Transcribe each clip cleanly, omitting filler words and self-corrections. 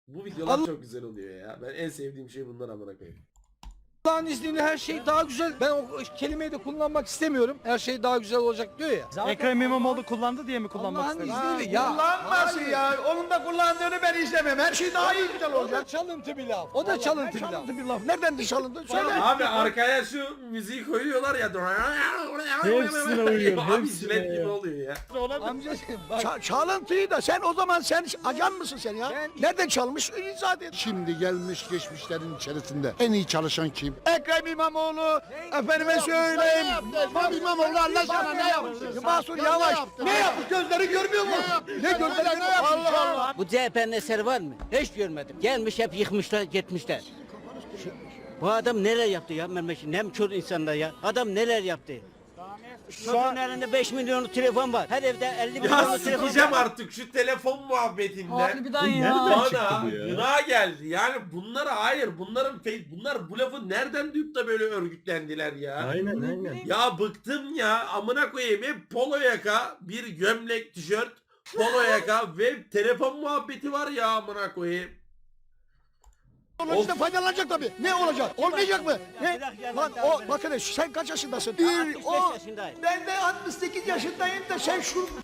Bu videolar çok güzel oluyor ya. Ben en sevdiğim şey bunlar amına koyayım. Allah'ın izniyle her şey daha güzel. Ben o kelimeyi de kullanmak istemiyorum. Her şey daha güzel olacak diyor ya. Ekrem İmamoğlu kullandı diye mi kullanmak Allah'ın istedin? izniyle ya. Kullanmasın ya. Onun da kullandığını ben istemem. Her şey daha iyi güzel O olacak. da çalıntı bir laf. O da çalıntı bir laf. Çalıntı bir laf. Nereden çalındı? Söyle. Abi arkaya şu müziği koyuyorlar ya. Hepsine uyuyor, Abi hepsine jilet gibi ya. oluyor ya. Amcacığım bak. Çalıntıyı da sen o zaman sen ajan mısın sen ya? Ben- Nereden çalmış? İzah et. Şimdi gelmiş geçmişlerin içerisinde en iyi çalışan kim? Ekrem İmamoğlu, efendime söyleyeyim. Ekrem İmamoğlu Allah aşkına ne yapmış? Mahsur Yavaş. Ne yapmış? Gözleri görmüyor mu? Ne gözleri ne yapmış? Allah Allah. Bu CHP'nin eseri var mı? Hiç görmedim. Gelmiş hep yıkmışlar, gitmişler. Bu adam neler yaptı ya memleket? Ne çok insanlar ya. Adam neler yaptı? Şu an elinde 5 milyonluk telefon var. Her evde 50 Ya milyonluk telefon sikeceğim var. artık şu telefon muhabbetinden. Harbiden ya. Bana gına geldi. Yani bunlara hayır. Bunlar bu lafı nereden duyup da böyle örgütlendiler ya. Aynen. Ya bıktım ya. Amına koyayım hep polo yaka, bir gömlek, tişört, polo yaka ve telefon muhabbeti var ya amına koyayım. Onun faydalanacak tabii. Ne olacak? Olmayacak mı? Ne? Lan o bakın sen kaç yaşındasın? 65 yaşındayım. Ben de 68 yaşındayım da sen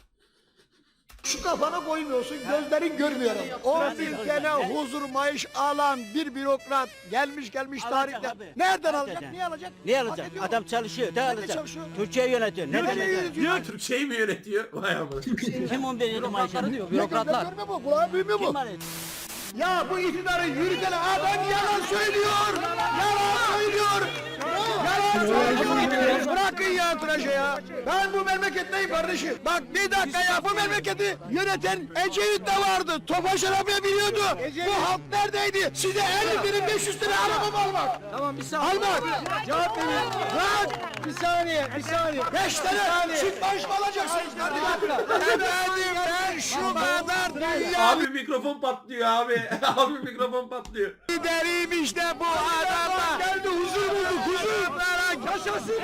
şu kafana koymuyorsun, gözlerin görmüyor. O ülkene huzur maaş alan bir bürokrat gelmiş Alacak tarihte. abi. Nereden Alacak. alacak? Niye alacak? Ne Hak alacak? ediyor mu? Adam çalışıyor. Ne Nerede alacak? çalışıyor? Türkiye yönetiyor. Ne alacak? Diyor Türkçeyi mi yönetiyor? Vay amına. Kim 11 yıl maaş alıyor? Gözler Bürokratlar. görmüyor mu? Kulağı duymuyor Kim mu? var? Ya bu iktidarı yürüten adam yalan söylüyor. Yalan söylüyor. Yalan söylüyor. Bırakın ya tıraşı ya. Ben bu memleketteyim kardeşim. Bak bir dakika ya bu memleketi yöneten Ecevit de vardı. Tofaş arabaya biniyordu. Bu halk neredeydi? Size 50.500 lira araba mı almak? Tamam bir saniye. Almak. Cevap verin. Lan Bir saniye. 5 tane çift maaş mı alacaksınız kardeşim? Efendim ben şu kadar dünya Abi mikrofon patlıyor abi. Abi mikrofon patlıyor. lideriyim işte bu adama. Geldi huzur bulduk huzur. Yaşasın.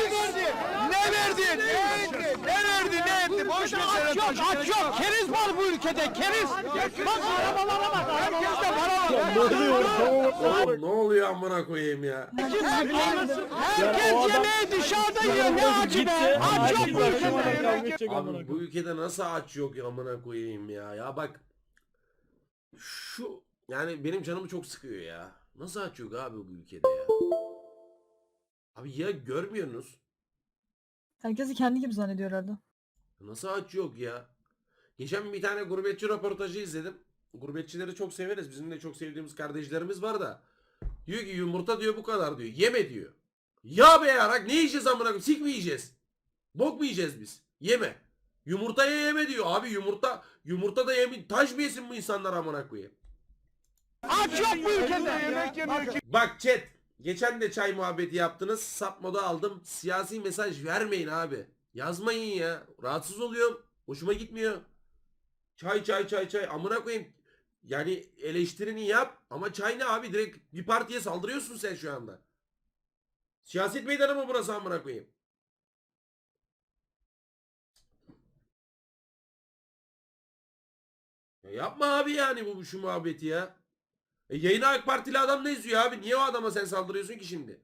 Ne verdi? Ne verdi? Ne etti? Boş ver sen. Aç yok. Keriz var bu ülkede. Keriz. Bak arabalara bak. Herkeste para var. Oğlum ne oluyor amına koyayım ya. Herkes yemeği dışarıda yiyor. Ne acı be. Aç yok bu ülkede. Abi bu ülkede nasıl aç yok ya amına koyayım ya. Ya bak şu yani benim canımı çok sıkıyor ya. Nasıl aç yok abi bu ülkede ya. Abi ya görmüyorsunuz. Herkesi kendi gibi zannediyor herhalde. Nasıl aç yok ya. Geçen bir tane gurbetçi röportajı izledim. Gurbetçileri çok severiz. Bizim de çok sevdiğimiz kardeşlerimiz var da. Diyor ki yumurta diyor bu kadar diyor. Yeme diyor. Ya be yarak ne yiyeceğiz amına koyayım? Sik mi yiyeceğiz? Bok mu yiyeceğiz biz? Yeme. Yumurtaya yeme diyor. Abi yumurta da yeme. Taş mı yesin bu insanlar amına koyayım? Aç yok bu ülkede. Bak chat. Geçen de çay muhabbeti yaptınız. Sap moda aldım. Siyasi mesaj vermeyin abi. Yazmayın ya. Rahatsız oluyorum. Hoşuma gitmiyor. Çay. Amına koyayım. Yani eleştirini yap. Ama çay ne abi? Direkt bir partiye saldırıyorsun sen şu anda. Siyaset meydanı mı burası amına koyayım? Ya yapma abi yani bu şu muhabbeti ya. Yayına AK Partili adam ne izliyor abi? Niye o adama sen saldırıyorsun ki şimdi?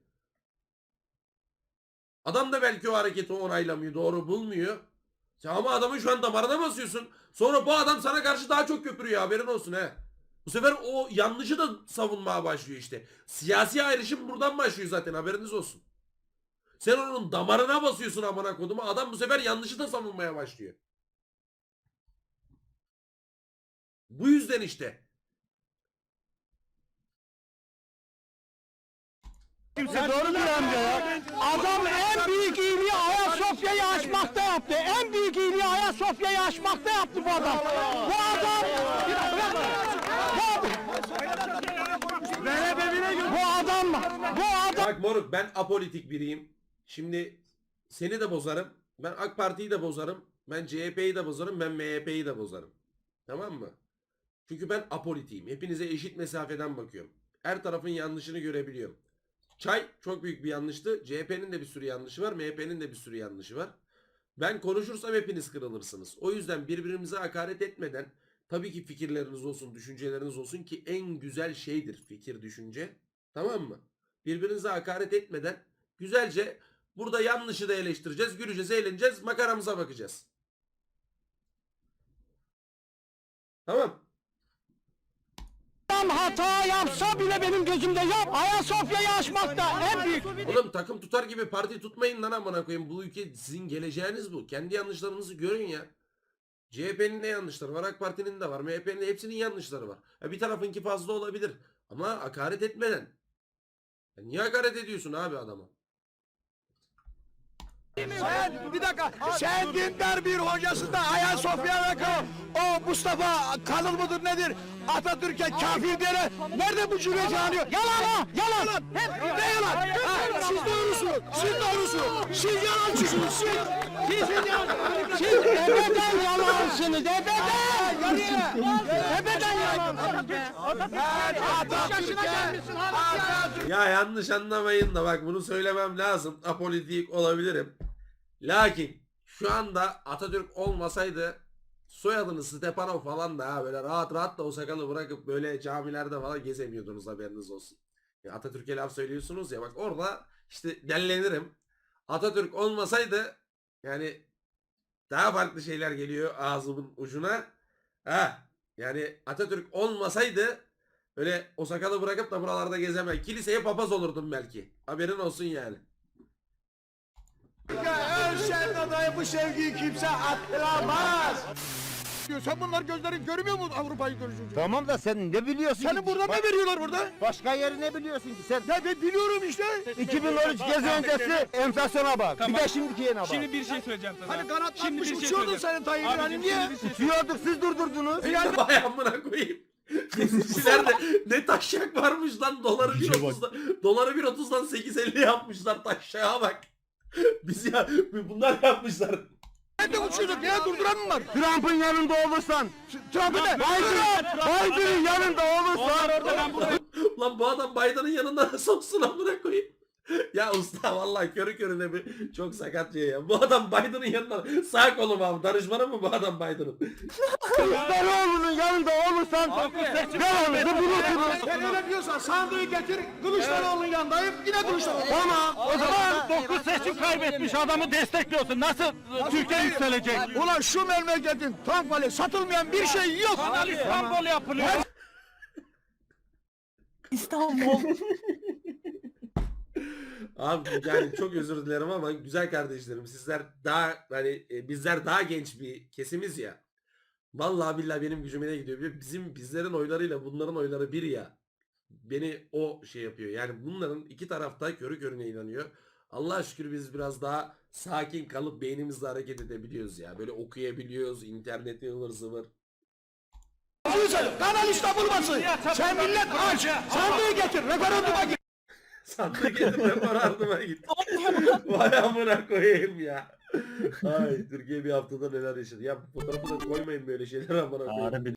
Adam da belki o hareketi onaylamıyor, doğru bulmuyor. Sen ama adamın şu an damarına basıyorsun. Sonra bu adam sana karşı daha çok köpürüyor, haberin olsun he. Bu sefer o yanlışı da savunmaya başlıyor işte. Siyasi ayrışım buradan başlıyor zaten, haberiniz olsun. Sen onun damarına basıyorsun amına koduma. Adam bu sefer yanlışı da savunmaya başlıyor. Bu yüzden işte. Doğru diyor amca ya. Adam en büyük iyiliği Ayasofya'yı açmakta yaptı. En büyük iyiliği Ayasofya'yı açmakta yaptı bu adam. Bu adam... Bu adam... Bak moruk ben apolitik biriyim. Şimdi seni de bozarım. Ben AK Parti'yi de bozarım. Ben CHP'yi de bozarım. Ben MHP'yi de bozarım. Tamam mı? Çünkü ben apolitiyim. Hepinize eşit mesafeden bakıyorum. Her tarafın yanlışını görebiliyorum. Çay çok büyük bir yanlıştı. CHP'nin de bir sürü yanlışı var. MHP'nin de bir sürü yanlışı var. Ben konuşursam hepiniz kırılırsınız. O yüzden birbirimize hakaret etmeden, Tabii ki fikirleriniz olsun, düşünceleriniz olsun ki en güzel şeydir fikir, düşünce. Tamam mı? Birbirinize hakaret etmeden güzelce burada yanlışı da eleştireceğiz, güleceğiz, eğleneceğiz, makaramıza bakacağız. Tamam. Hata yapsa bile benim gözümde yap. Ayasofya'yı aşmakta en büyük. Oğlum takım tutar gibi parti tutmayın lan amına koyayım. Bu ülke sizin geleceğiniz bu. Kendi yanlışlarınızı görün ya. CHP'nin de yanlışları var, AK Parti'nin de var, MHP'nin de hepsinin yanlışları var. Bir tarafınki fazla olabilir ama hakaret etmeden. Ya niye hakaret ediyorsun abi adama? Sen bir dakika. Sen dindar bir hocasında Ayasofya'da o Mustafa Kalıl mıdır nedir? Atatürk'e kafir diyene nerede bu cümleci anıyor? Yalan ha! Yalan! Hep ne yalan? Ha, siz doğrusunuz. Siz doğrusunuz. Siz yalancısınız. Siz ebeden yalansınız. Ebeden! Ebeden yalansınız. Ben Atatürk'e Ya yanlış anlamayın da bak bunu söylemem lazım. Apolitik olabilirim. Lakin şu anda Atatürk olmasaydı soyadını Stepanov falan da ha böyle rahat rahat da o sakalı bırakıp böyle camilerde falan gezemiyordunuz, haberiniz olsun. Ya Atatürk'e laf söylüyorsunuz ya, bak orada işte dellenirim. Atatürk olmasaydı yani daha farklı şeyler geliyor ağzımın ucuna. Ha yani Atatürk olmasaydı öyle o sakalı bırakıp da buralarda gezemem. Kiliseye papaz olurdum belki. Haberin olsun yani. ölsen adayı bu sevgiyi kimse attıramaz. Sen bunlar gözlerin görmüyor mu Avrupa'yı görüşünce? Tamam da sen ne biliyorsun? Senin burada ne veriyorlar burada? Başka yeri ne biliyorsun ki sen? Ya ben biliyorum işte. 2013 gezi öncesi enflasyona bak. Bir de şimdikine bak. Şimdi bir şey söyleyeceğim sana. Hani kanatlanmış Şimdi bir şey uçuyordun söyleyeceğim. senin Tayyip'in hani Abicim, niye? şimdi bir şey Uçuyorduk siz durdurdunuz. Vay amına koyayım. Gezicilerde ne taşak varmış lan, doları 1.30'dan doları 1.30'dan 8.50 yapmışlar, taşağa bak. Biz ya bunlar yapmışlar. Ben de uçuyorduk ya durduran mı var? Trump'ın yanında olursan. Trump'ı ne? Biden'ın yanında olursan. Lan bu adam Biden'ın yanında nasıl olsun amına koyayım. Ya usta vallahi körü körüne bir çok sakat şey ya. Bu adam Biden'ın yanında sağ kolum abi. Danışmanı mı bu adam Biden'ın? Kılıçdaroğlu'nun yanında olursan devamlı bulursunuz. Sen öyle diyorsan sandığı getir Kılıçdaroğlu'nun yanındayım yine Kılıçdaroğlu. Tamam o zaman 9 seçim kaybetmiş adamı destekliyorsun. Nasıl Türkiye yükselecek? Ulan şu memleketin tank vali satılmayan bir şey yok. Kanal İstanbul yapılıyor. İstanbul. Abi yani çok özür dilerim ama güzel kardeşlerim, sizler daha hani bizler daha genç bir kesimiz ya. Vallahi billahi benim gücüme ne gidiyor? Bizlerin oylarıyla bunların oyları bir ya. Beni o şey yapıyor. Yani bunların iki tarafta körü körüne inanıyor. Allah'a şükür biz biraz daha sakin kalıp beynimizle hareket edebiliyoruz ya. Böyle okuyabiliyoruz, interneti ıvır zıvır. Kanal İstanbul basın. Sen millet aç. Sandığı getir referanduma git. Sandık getir referanduma git. Vay amına koyayım ya. Ay Türkiye bir haftada neler yaşadı. Ya fotoğrafı da koymayın böyle şeyler amına koyayım.